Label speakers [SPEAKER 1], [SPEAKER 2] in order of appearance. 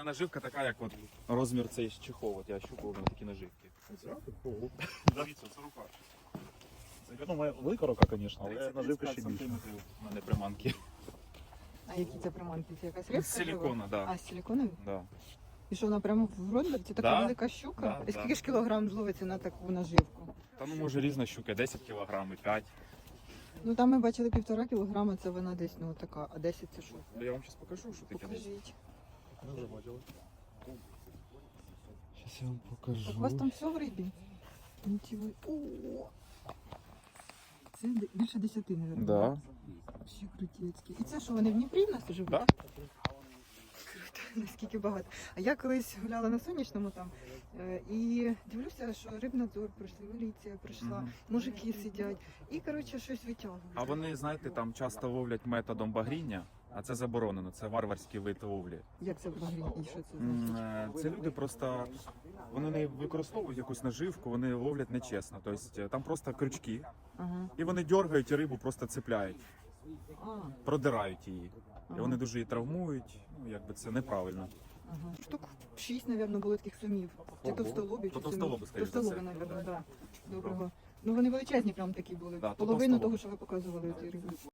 [SPEAKER 1] наживка така, як от розмір цей чехол. От я щупав на такі наживки. Дивіться, це рука.
[SPEAKER 2] Ну, велика рука, звісно, але наживка ще більше.
[SPEAKER 1] У мене приманки.
[SPEAKER 3] А які це приманки? Це якась рибка?
[SPEAKER 1] З силікона, так.
[SPEAKER 3] А, з силіконові?
[SPEAKER 1] Да.
[SPEAKER 3] І що, вона прямо в рот? Це така
[SPEAKER 1] Да.
[SPEAKER 3] велика щука?
[SPEAKER 1] Да,
[SPEAKER 3] І скільки
[SPEAKER 1] да.
[SPEAKER 3] ж кілограм зловиться на таку наживку?
[SPEAKER 1] Та ну може різна щука, 10 кг, 5.
[SPEAKER 3] Ну там ми бачили 1,5 кілограма, це вона десь, ну така, а 10 це що?
[SPEAKER 1] Я вам зараз покажу, що таке.
[SPEAKER 3] Покажіть.
[SPEAKER 2] Ми вже бачили.
[SPEAKER 1] Зараз я вам
[SPEAKER 3] Так у вас
[SPEAKER 1] покажу.
[SPEAKER 3] там все в рибі? Нічого. О! Це більше 10, мабуть.
[SPEAKER 1] Да.
[SPEAKER 3] Ще крутецькі. І це що, вони в Дніпрі в нас живуть?
[SPEAKER 1] Да.
[SPEAKER 3] Круто, наскільки багато. А я колись гуляла на сонячному там і дивлюся, що рибнадзор прийшли, міліція прийшла,
[SPEAKER 1] Мгм.
[SPEAKER 3] мужики сидять і, коротше, щось витягують.
[SPEAKER 1] А вони, знаєте, там часто ловлять методом багріння, а це заборонено, це варварський вид ловлі.
[SPEAKER 3] Як це багрінь? І що це значить?
[SPEAKER 1] Це люди просто, вони не використовують якусь наживку, вони ловлять нечесно. Тобто там просто крючки,
[SPEAKER 3] Ага.
[SPEAKER 1] і вони дергають і рибу просто цепляють,
[SPEAKER 3] А,
[SPEAKER 1] продирають її. І
[SPEAKER 3] ага.
[SPEAKER 1] вони дуже її травмують, ну якби це неправильно.
[SPEAKER 3] Ага. Штук 6, мабуть, було таких сумів. Чи
[SPEAKER 1] Ого.
[SPEAKER 3] товстолобі,
[SPEAKER 1] То
[SPEAKER 3] чи
[SPEAKER 1] товстолоби,
[SPEAKER 3] сумів.
[SPEAKER 1] скоріш за
[SPEAKER 3] Товстолоби,
[SPEAKER 1] все.
[SPEAKER 3] мабуть, так. Доброго. Ну вони величезні прям такі були.
[SPEAKER 1] Да, то
[SPEAKER 3] Половину
[SPEAKER 1] товстолоб.
[SPEAKER 3] того, що ви показували. ті риби.